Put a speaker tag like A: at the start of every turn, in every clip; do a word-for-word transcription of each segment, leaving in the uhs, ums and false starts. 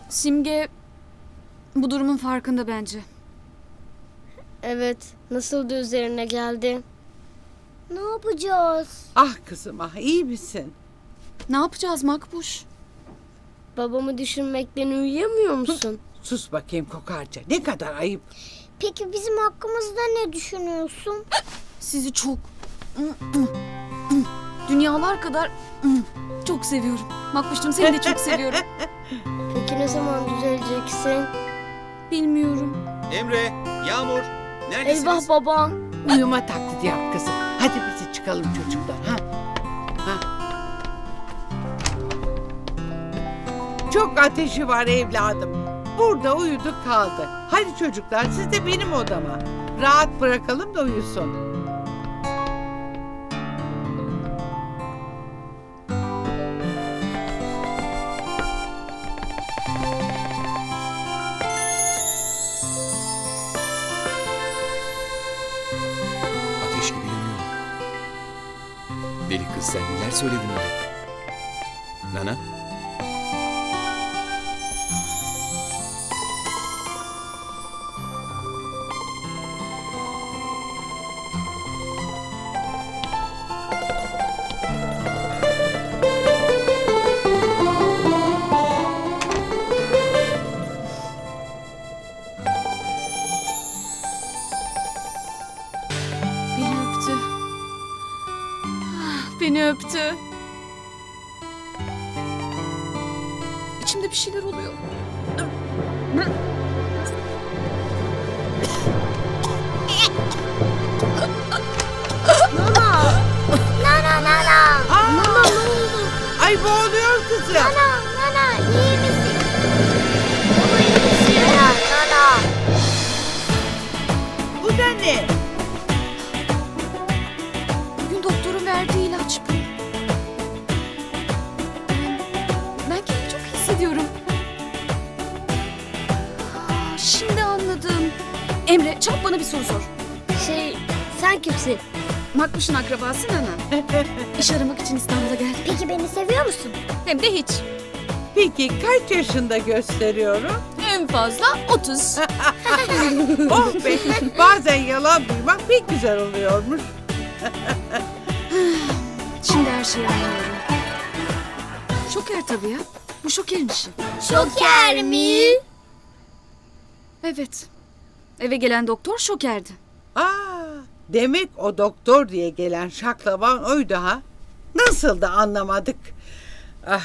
A: Simge bu durumun farkında bence.
B: Evet, nasıl da üzerine geldi. Ne yapacağız?
C: Ah kızım ah, iyi misin?
A: Ne yapacağız Makbuş?
B: Babamı düşünmekten uyuyamıyor musun?
C: Sus bakayım kokarca, ne kadar ayıp.
B: Peki bizim hakkımızda ne düşünüyorsun?
A: Sizi çok dünyalar kadar çok seviyorum. Makbuş'cum seni de çok seviyorum.
B: Peki ne zaman düzeleceksin?
A: Bilmiyorum.
D: Emre, Yağmur, neredesiniz?
B: Eyvah baba.
C: Uyuma taklidi yap kızım. Hadi bizi çıkalım çocuklar. Ha? Ha? Çok ateşi var evladım. Burada uyudu kaldı. Hadi çocuklar siz de benim odama. Rahat bırakalım da uyusun.
D: Ateş gibi yanıyorum. Deli kız sen neler söyledin öyle? Nana?
A: Beni öptü. Ah, Beni öptü. İçimde bir şeyler oluyor.
B: Nana nana.
C: Aa,
B: Nana ne oldu?
C: ay boğuluyor kızım.
B: Nana nana iyi misin? Baba iyi misin? Nana nana.
C: Bu da ne?
A: Bugün doktorun verdiği ilaç bu. Ben, ben kendimi çok iyi hissediyorum. Aa, şimdi anladım. Emre çabuk bana bir soru sor.
B: Şey sen kimsin?
A: Makbuş'un akrabası Nana. İş aramak için İstanbul'a geldim.
B: Peki beni seviyor musun?
A: Hem de hiç.
C: Peki kaç yaşında gösteriyorum?
A: En fazla otuz.
C: Oh be, bazen yalan duymak pek güzel oluyormuş.
A: Şimdi her şeyi anlıyorum. Şoker tabii ya. Bu Şoker'in işi.
B: Şoker mi?
A: Evet. Eve gelen doktor Şoker'di.
C: Aa, demek o doktor diye gelen şaklaban oydu ha? Nasıl da anlamadık. Ah,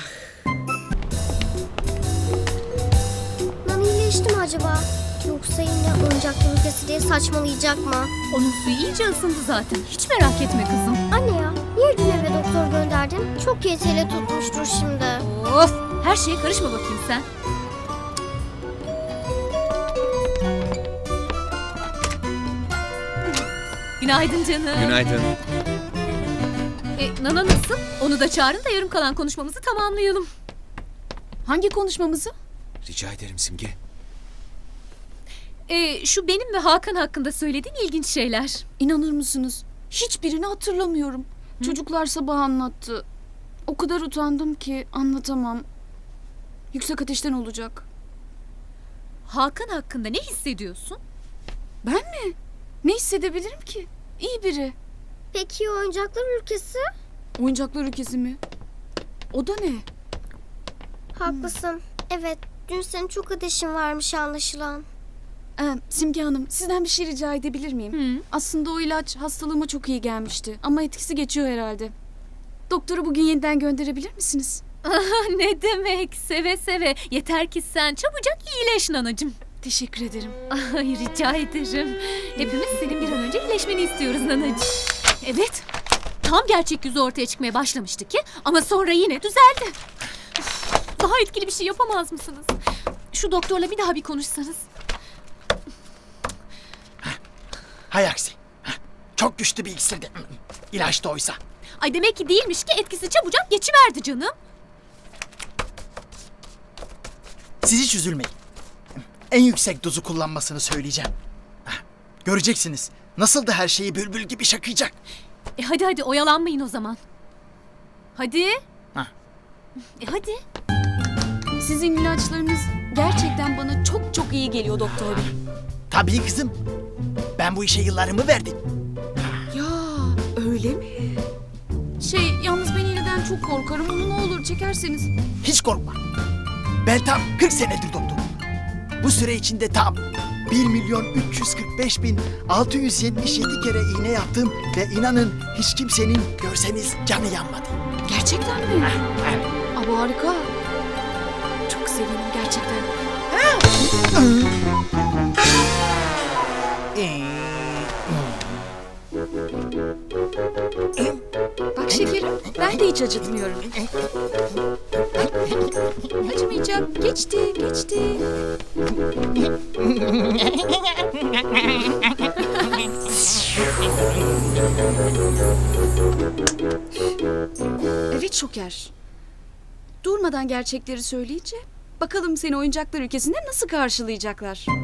B: Nana iyileşti mi acaba? Yoksa yine oyuncaklı ülkesi diye saçmalayacak mı?
E: Onun suyu iyice ısındı zaten. Hiç merak etme kızım.
B: Anne ya niye dün eve doktor gönderdin? Çok yeteli tutmuştur şimdi.
E: Of! Her şeye karışma bakayım sen. Günaydın canım.
D: Günaydın.
E: E, Nana nasıl? Onu da çağırın da yarım kalan konuşmamızı tamamlayalım.
A: Hangi konuşmamızı?
D: Rica ederim Simge.
E: E, şu benim ve Hakan hakkında söylediğin ilginç şeyler.
A: İnanır mısınız? Hiçbirini hatırlamıyorum. Çocuklar sabah anlattı. O kadar utandım ki anlatamam. Yüksek ateşten olacak.
E: Hakan hakkında ne hissediyorsun?
A: Ben mi? Ne hissedebilirim ki? İyi biri.
B: Peki oyuncaklar ülkesi?
A: Oyuncaklar ülkesi mi? O da ne?
B: Haklısın. Evet dün senin çok ateşin varmış anlaşılan.
A: Ee, Simge Hanım sizden bir şey rica edebilir miyim?
E: Hı.
A: Aslında o ilaç hastalığıma çok iyi gelmişti. Ama etkisi geçiyor herhalde. Doktoru bugün yeniden gönderebilir misiniz?
E: Ne demek? Seve seve. Yeter ki sen çabucak iyileş Nanacığım.
A: Teşekkür ederim.
E: Ay rica ederim. Hepimiz senin bir an önce iyileşmeni istiyoruz Nanacığım. Evet. Tam gerçek yüzü ortaya çıkmaya başlamıştı ki ama sonra yine düzeldi. Üf, daha etkili bir şey yapamaz mısınız? Şu doktorla bir daha bir konuşsanız.
F: Hay aksi. Heh, çok güçlü bir iksirdi. İlaç da oysa.
E: Ay demek ki değilmiş ki etkisi çabucak geçiverdi canım.
F: Siz hiç üzülmeyin. En yüksek dozu kullanmasını söyleyeceğim. Heh, göreceksiniz. Nasıl da her şeyi bülbül gibi şakıyacak.
E: E hadi hadi oyalanmayın o zaman. Hadi.
F: Heh.
E: E hadi.
A: Sizin ilaçlarınız gerçekten bana çok çok iyi geliyor doktor bey.
F: Tabii kızım. Ben bu işe yıllarımı verdim.
A: Ya öyle mi? Şey yalnız ben iğneden çok korkarım. Onu ne olur çekerseniz.
F: Hiç korkma. Ben tam kırk senedir doktorum. Bu süre içinde tam bir milyon üç yüz kırk beş bin altı yüz yetmiş yedi kere iğne yaptım ve inanın hiç kimsenin görseniz canı yanmadı.
A: Gerçekten mi? Aa, harika. Çok sevindim gerçekten. Bak şekerim, ben de hiç acıtmıyorum. Acımayacak. Geçti, geçti. Evet Şoker. Durmadan gerçekleri söyleyince bakalım seni oyuncaklar ülkesinde nasıl karşılayacaklar.